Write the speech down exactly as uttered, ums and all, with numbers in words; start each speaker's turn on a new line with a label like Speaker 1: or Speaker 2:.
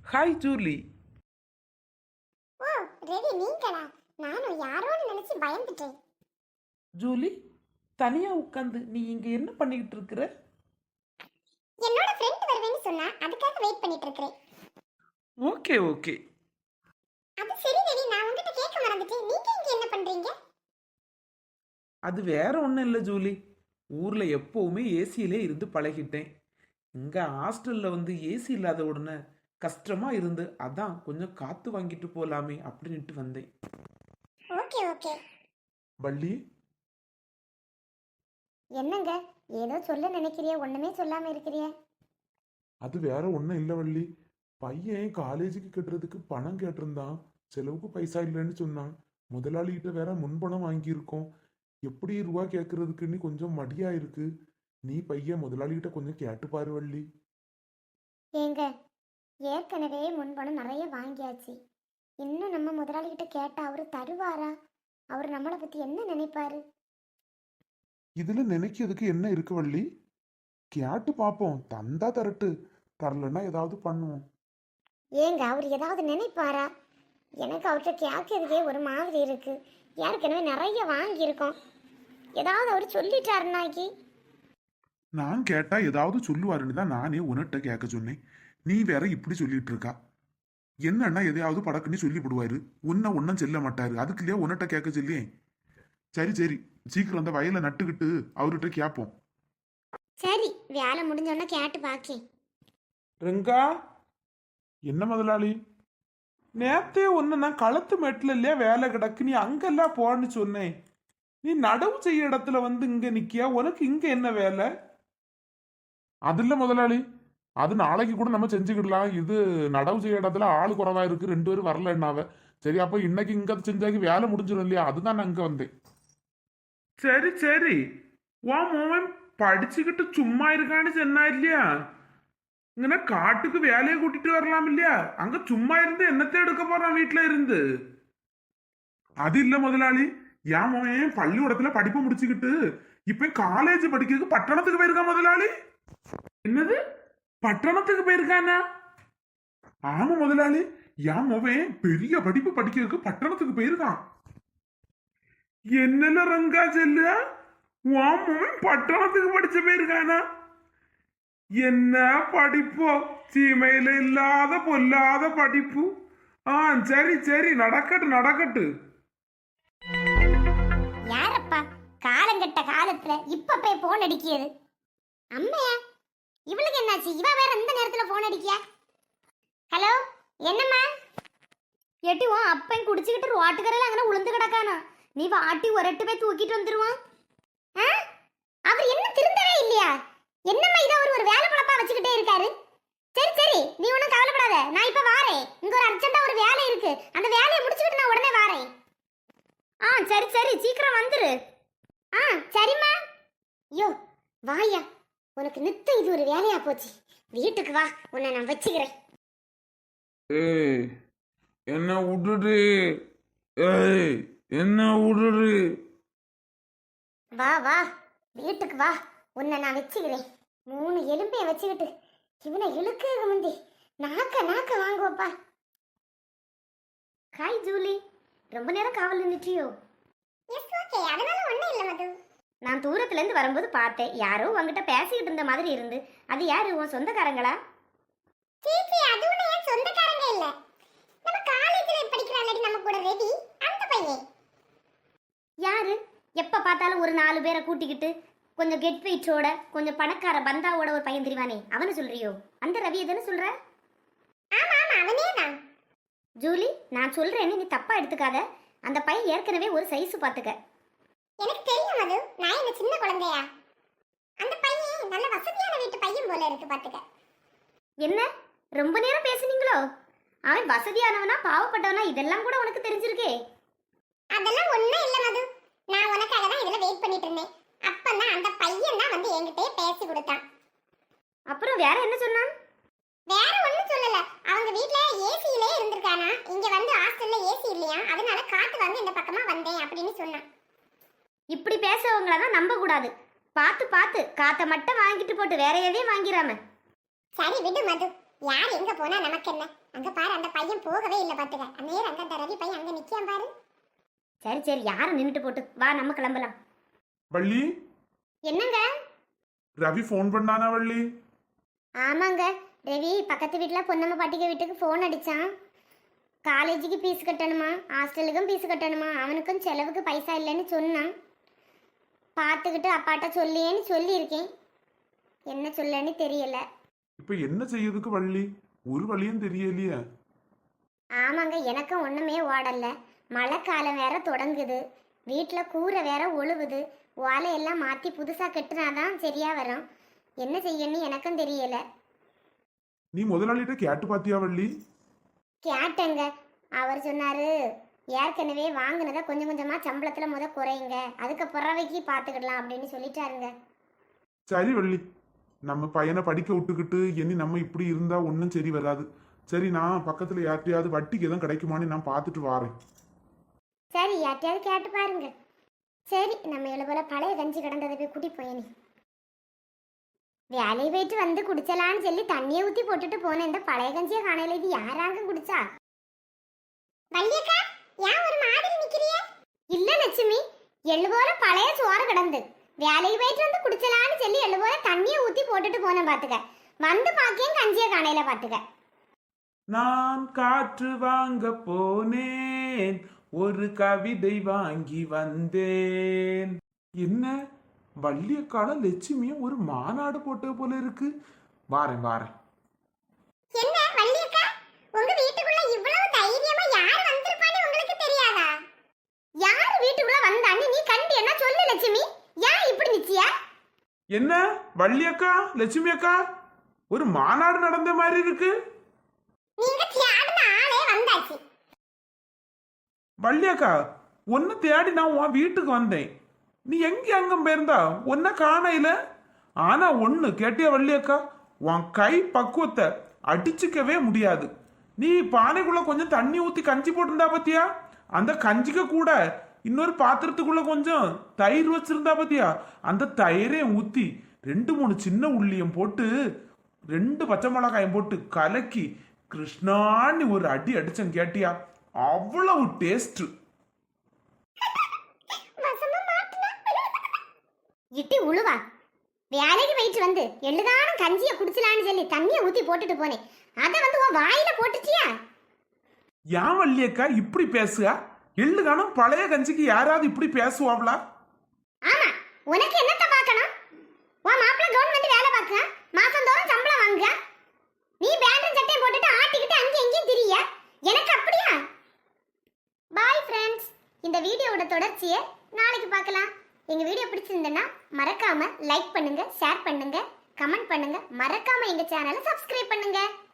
Speaker 1: Hi Julie.
Speaker 2: ஓ ready நீங்களா? நானும் யாரோன்னு நினைச்சு பயந்துட்டேன்.
Speaker 1: ஜூலி, தனியா உட்காந்து நீ இங்க என்ன பண்ணிக்கிட்டு இருக்கிற?
Speaker 2: என்னோட ஃப்ரெண்ட் வருவேன்னு சொன்னா அதுக்காக வெயிட் பண்ணிட்டு இருக்கேன்.
Speaker 1: Okay okay.
Speaker 2: அது சரி ரெடி, நான் உங்ககிட்ட கேட்க மறந்துட்டேன். நீங்க இங்க என்ன பண்றீங்க?
Speaker 1: அது வேற ஒன்றும் இல்லை ஜூலி. ஊர்ல எப்பவுமே ஏசியிலே இருந்து பழகிட்டேன். இங்க ஹாஸ்டல்ல வந்து ஏசி இல்லாத உடனே கஷ்டமா இருந்து அதான் கொஞ்சம் காத்து வாங்கிட்டு போலாமே அப்படின்ட்டு வந்தேன்.
Speaker 2: Okay okay.
Speaker 1: வள்ளி,
Speaker 2: என்னங்க ஏதோ சொல்ல நினைக்கிறிய, ஒண்ணுமே சொல்லாம இருக்கிறிய?
Speaker 3: அது வேற ஒன்றும் இல்லை வள்ளி. பையன் காலேஜுக்கு கட்டுறதுக்கு பணம் கேட்டிருந்தான். செலவுக்கு பைசா இல்லைன்னு சொன்னான். முதலாளிகிட்ட வேற முன்பணம் வாங்கியிருக்கோம். எப்படி ரூபா கேட்கறதுக்குன்னு கொஞ்சம் மடியா இருக்கு. நீ பையன் முதலாளிகிட்ட கொஞ்சம் கேட்டு பாரு வள்ளி.
Speaker 2: ஏங்க ஏற்கனவே முன்பணம் நிறைய வாங்கியாச்சு. இன்னும் நம்ம முதலாளிகிட்ட கேட்டா அவரு தருவாரா? அவர் நம்மளை பத்தி என்ன நினைப்பாரு?
Speaker 3: இதுல நினைக்கிறதுக்கு என்ன இருக்கு வள்ளி? கேட்டு பார்ப்போம். தந்தா தரட்டு, தரலன்னா ஏதாவது பண்ணுவோம்.
Speaker 2: ஏங்க அவர் ஏதாவது நினைப்பாரா? எனக்கு அவர்கிட்ட கேட்கறதுக்கே ஒரு மாதிரி இருக்கு. ஏற்கனவே நிறைய வாங்கியிருக்கோம். ஏதாவது அவர் சொல்லிட்டாருனாக்கி.
Speaker 3: நான் கேட்டா ஏதாவது சொல்லுவாருன்னு தான் நானே உன்கிட்ட கேட்க சொன்னேன். நீ வேற இப்படி சொல்லிட்டு இருக்கா. என்னன்னா எதையாவது படக்குன்னு சொல்லி விடுவாரு. உன்ன ஒன்னும் செல்ல மாட்டாரு. அதுக்குள்ளேயே உன்கிட்ட கேட்க சொல்லியே. சரி சரி, சீக்கிரம் அந்த வயலை நட்டுக்கிட்டு அவர்கிட்ட கேட்போம்.
Speaker 2: சரி, வேலை முடிஞ்சோன்னா கேட்டு பாக்கேன்.
Speaker 1: ரெங்கா,
Speaker 3: என்ன முதலாளி?
Speaker 1: நேத்தே ஒன்று நான் களத்து மெட்டில் இல்லையா வேலை கிடக்கு, நீ அங்கெல்லாம் போன்னு சொன்னேன். நீ நடவு செய்ய இடத்துல வந்து இங்க நிக்கியா? உனக்கு இங்க என்ன வேலை?
Speaker 3: அது இல்ல முதலாளி, அது நாளைக்கு கூட நம்ம செஞ்சுக்கிடலாம். இது நடவு செய்ய இடத்துல ஆளு குறைவா இருக்கு, ரெண்டு பேரும் வரல என்னாவ. சரி, அப்ப இன்னைக்கு இங்க செஞ்சாக்கி வேலை முடிஞ்சிடும் இல்லையா? அதுதான் நான் இங்க வந்தேன்.
Speaker 1: சரி சரி, உன் மோவன் படிச்சுக்கிட்டு சும்மா இருக்கான்னு சொன்னா இல்லையா? இங்கன்னா காட்டுக்கு வேலையை கூட்டிட்டு வரலாம் இல்லையா? அங்க சும்மா இருந்து என்னத்தை எடுக்க போறான் வீட்டுல இருந்து?
Speaker 3: அது இல்ல முதலாளி, என் மகன் பள்ளிக்கூடத்துல படிப்பு முடிச்சுக்கிட்டு இப்ப காலேஜ் படிக்கிறதுக்கு பட்டணத்துக்கு போயிருக்கான் முதலாளி.
Speaker 1: என்னது, பட்டணத்துக்கு போயிருக்கானா?
Speaker 3: ஆமா முதலாளி, என் மகன் பெரிய படிப்பு படிக்கிறதுக்கு பட்டணத்துக்கு போயிருக்கான்.
Speaker 1: என்னல ரங்கா செல்ல, உன் மகன் பட்டணத்துக்கு படிச்சு போயிருக்கானா? என்ன படிப்போ, சீமையில இல்லாத பொல்லாத படிப்பு. ஆ சரி சரி, நடக்கட்டு நடக்கட்டு.
Speaker 2: யாரப்பா காலங்கட்ட காலத்துல இப்ப போய் போன் அடிக்கியது? அம்மையா, இவளுக்கு என்னாச்சு? இவ வேற இந்த நேரத்துல போன் அடிக்கியா? ஹலோ, என்னம்மா?
Speaker 4: எட்டி உன் அப்பன் குடிச்சுக்கிட்டு ரோட்டுக்கரையில் அங்கே உளுந்து கிடக்கானா? நீ வாட்டி ஒரட்டு போய் தூக்கிட்டு வந்துருவான்.
Speaker 2: அவர் என்ன திருந்தவே இல்லையா? என்னம்மா இதை அவர் ஒரு வேலை பழப்பா வச்சுக்கிட்டே இருக்காரு. சரி சரி, நீ ஒன்றும் கவலைப்படாத, நான் இப்ப வாரேன். இங்க ஒரு அர்ஜென்ட்டா ஒரு வேலை இருக்கு, அந்த வேலையை முடிச்சுக்கிட்டு நான் உடனே வாரேன்.
Speaker 4: ஆ சரி சரி, சீக்கிரம் வந்துரு.
Speaker 2: ஆ சரிம்மா. ஐயோ வாயா, உனக்கு நித்தம் இது ஒரு வேலையா போச்சு. வீட்டுக்கு வா, உன்னை நான் வச்சுக்கிறேன்.
Speaker 1: ஏய் என்ன விடுடு, ஏய் என்ன விடுடு.
Speaker 2: வா வா, வீட்டுக்கு வா, உன்னை நான் வச்சுக்கிறேன். மூணு எலும்பையை வச்சுக்கிட்டு இவனை இழுக்க முந்தி நாக்க நாக்க வாங்குவப்பா.
Speaker 4: ஹாய் ஜூலி, ரொம்ப நேரம் காவல் நின்றுட்டியோ?
Speaker 2: எஸ் ஓகே, அதனால ஒண்ணும் இல்ல மது.
Speaker 4: நான் தூரத்துலேருந்து வரும்போது பார்த்தேன், யாரோ உங்ககிட்ட பேசிக்கிட்டு இருந்த மாதிரி இருந்து. அது யாரு, உன் சொந்தக்காரங்களா?
Speaker 2: சீச்சி, அது ஒண்ணு என் சொந்தக்காரங்க இல்ல. நம்ம காலேஜ்ல படிக்கிறானடி நம்ம கூட ரெடி, அந்த பையன்.
Speaker 4: யாரு? எப்போ பார்த்தாலும் ஒரு நாலு பேரை கூட்டிக்கிட்டு கொஞ்சம் கெட் வெயிட்டோட கொஞ்சம் பணக்கார பந்தாவோட ஒரு பையன் தெரிவானே, அவனை சொல்றியோ? அந்த ரவியை தானே சொல்ற?
Speaker 2: ஆமா ஆமா, அவனே தான்.
Speaker 4: ஜூலி, நான் சொல்றேன்னு நீ தப்பா எடுத்துக்காத. அந்த பையன் ஏற்கனவே ஒரு சைஸ் பார்த்துக்க.
Speaker 2: எனக்கு தெரியும் மது, நான் என்ன சின்ன குழந்தையா? அந்த பையன் நல்ல வசதியான வீட்டு பையன் போல இருக்கு பாத்துக்க.
Speaker 4: என்ன ரொம்ப நேரம் பேசுனீங்களோ? அவன் வசதியானவனா பாவப்பட்டவனா இதெல்லாம் கூட உனக்கு தெரிஞ்சிருக்கே.
Speaker 2: அதெல்லாம் ஒண்ணும் இல்ல மது, நான் உனக்காக தான் இதுல வெயிட் பண்ணிட்டு இருந்தேன். அப்பதான் அந்த பையன் தான் வந்து என்கிட்டயே பேசி கொடுத்தான்.
Speaker 4: அப்புறம் வேற என்ன சொன்னான்?
Speaker 2: வேற ஒண்ணும் சொல்லல. அவங்க வீட்ல ஏசியிலே இருந்திருக்கானா, இங்க வந்து ஹாஸ்டல்ல ஏசி இல்லையா, அதனால காத்து வாங்க இந்த பக்கமா வந்தேன் அப்படின்னு சொன்னான்.
Speaker 4: இப்படி பேசவங்கள தான் நம்ப கூடாது. பார்த்து பார்த்து காத்த மட்டும் வாங்கிட்டு போட்டு வேற எதையும் வாங்கிராம.
Speaker 2: சரி விடு மது, யார் எங்க போனா நமக்கு என்ன? அங்க பாரு, அந்த பையன் போகவே இல்ல பாத்துக்க. நேரம் அங்க அந்த ரவி பையன் அங்க நிக்காம பாரு.
Speaker 4: சரி சரி யாரும் நின்றுட்டு போட்டு வா நம்ம கிளம்பலாம்.
Speaker 3: வள்ளி,
Speaker 2: என்னங்க?
Speaker 3: ரவி ஃபோன் பண்ணானா வள்ளி?
Speaker 2: ஆமாங்க, ரவி பக்கத்து வீட்டுல பொன்னம்மா பாட்டிக்க வீட்டுக்கு ஃபோன் அடிச்சான். காலேஜுக்கு ஃபீஸ் கட்டணுமா, ஹாஸ்டலுக்கும் ஃபீஸ் கட்டணுமா, அவனுக்கும் செலவுக்கு பைசா இல்லைன்னு சொன்னான். பார்த்துக்கிட்டு அப்பாட்ட சொல்லியேன்னு சொல்லியிருக்கேன். என்ன சொல்லன்னு தெரியல.
Speaker 3: இப்ப என்ன செய்யறதுக்கு வள்ளி? ஒரு வழியும் தெரியலையே.
Speaker 2: ஆமாங்க, எனக்கும் ஒன்றுமே ஓடல. மழை காலம் வேற தொடங்குது, வீட்டில் கூரை வேற ஒழுகுது. ஓலையெல்லாம் மாற்றி புதுசாக கட்டுனாதான் சரியா வரும். என்ன செய்யணும்னு எனக்கும் தெரியல.
Speaker 3: நீ முதலாளிகிட்ட கேட்டு பாத்தியா வள்ளி?
Speaker 2: கேட்டேங்க, அவர் சொன்னாரு ஏற்கனவே வாங்கினதை கொஞ்சம் கொஞ்சமாக சம்பளத்தில் முத குறையுங்க, அதுக்கு பிறவைக்கு பார்த்துக்கிடலாம் அப்படின்னு சொல்லிட்டாருங்க.
Speaker 3: சரி வள்ளி, நம்ம பையனை படிக்க விட்டுக்கிட்டு இனி நம்ம இப்படி இருந்தா ஒன்றும் சரி வராது. சரி, நான் பக்கத்துல யார்ட்டையாவது வட்டிக்கு எதுவும் கிடைக்குமான்னு நான் பார்த்துட்டு வாரேன்.
Speaker 2: சரி, யார்ட்டையாவது கேட்டு பாருங்க. சரி, நம்ம எழுபோல பழைய கஞ்சி கிடந்ததை போய் கூட்டி போயனி. வேலையை போயிட்டு வந்து குடிச்சலான்னு சொல்லி தண்ணியை ஊற்றி போட்டுட்டு போன இந்த பழைய கஞ்சியை காணையில இது யாராங்க குடிச்சா? வள்ளியக்கா, ஏன் ஒரு மாதிரி நிக்கிறிய? இல்ல லட்சுமி, எழுபோல பழைய சோறு கிடந்து வேலைக்கு போயிட்டு வந்து குடிச்சலான்னு சொல்லி எழுபோல தண்ணியை ஊற்றி போட்டுட்டு போன பாத்துக்க. வந்து பாக்கியம் கஞ்சியை காணையில பாத்துக்க.
Speaker 1: நான் காற்று வாங்க போனேன், ஒரு கவிதை வாங்கி வந்தேன். என்ன வள்ளியக்கால லட்சுமியும் ஒரு மாநாடு போட்ட போல இருக்கு. வாரேன் வாரேன்.
Speaker 2: என்ன வள்ளியக்கா, உங்க வீட்டுக்குள்ள இவ்வளவு தைரியமா யார் வந்திருப்பான்னு உங்களுக்கு தெரியாதா? யார் வீட்டுக்குள்ள வந்தான்னு நீ கண்டு என்ன சொல்லு லட்சுமி. ஏன் இப்படி நிச்சியா?
Speaker 1: என்ன வள்ளியக்கா லட்சுமி அக்கா, ஒரு மாநாடு நடந்த மாதிரி இருக்கு.
Speaker 2: நீங்க தேடின ஆளே வந்தாச்சு.
Speaker 1: வள்ளியக்கா, உன்னை தேடி நான் உன் வீட்டுக்கு வந்தேன். நீ எங்க அங்கம் போயிருந்தா உன்னை காணையில. ஆனா ஒண்ணு கேட்டியா வள்ளியக்கா, உன் கை பக்குவத்தை அடிச்சுக்கவே முடியாது. நீ பானைக்குள்ள கொஞ்சம் தண்ணி ஊத்தி கஞ்சி போட்டிருந்தா பத்தியா, அந்த கஞ்சிக்கு கூட இன்னொரு பாத்திரத்துக்குள்ள கொஞ்சம் தயிர் வச்சிருந்தா பத்தியா, அந்த தயிரையும் ஊத்தி ரெண்டு மூணு சின்ன உள்ளியும் போட்டு ரெண்டு பச்சை மிளகாயும் போட்டு கலக்கி கிருஷ்ணான்னு ஒரு அடி அடிச்சேன் கேட்டியா, அவ்வளவு டேஸ்ட்.
Speaker 2: இட்டி உழுவா, வேலைக்கு போயிட்டு வந்து எழுதானும் கஞ்சியை குடிச்சலான்னு சொல்லி தண்ணியை ஊத்தி போட்டுட்டு போனேன். அதை வந்து உன் வாயில போட்டுட்டியா?
Speaker 1: ஏன் வள்ளியக்கா இப்படி பேசுகா? எள்ளு காணும் பழைய கஞ்சிக்கு யாராவது இப்படி பேசுவாங்களா?
Speaker 2: ஆமா, உனக்கு என்னத்த பார்க்கணும்? உன் மாப்பிள்ள கவர்மெண்ட் வேலை பார்க்க மாசம் தோறும் சம்பளம் வாங்க, நீ பேண்டும் சட்டையும் போட்டுட்டு ஆட்டிக்கிட்டு அங்கேயும் இங்கேயும் திரிய. எனக்கு அப்படியா? பாய் ஃப்ரெண்ட்ஸ், இந்த வீடியோவோட தொடர்ச்சியை நாளைக்கு பார்க்கலாம். எங்க வீடியோ பிடிச்சிருந்தேன்னா மறக்காம லைக் பண்ணுங்க, ஷேர் பண்ணுங்க, கமெண்ட் பண்ணுங்க, மறக்காம எங்க சேனலை சப்ஸ்கிரைப் பண்ணுங்க.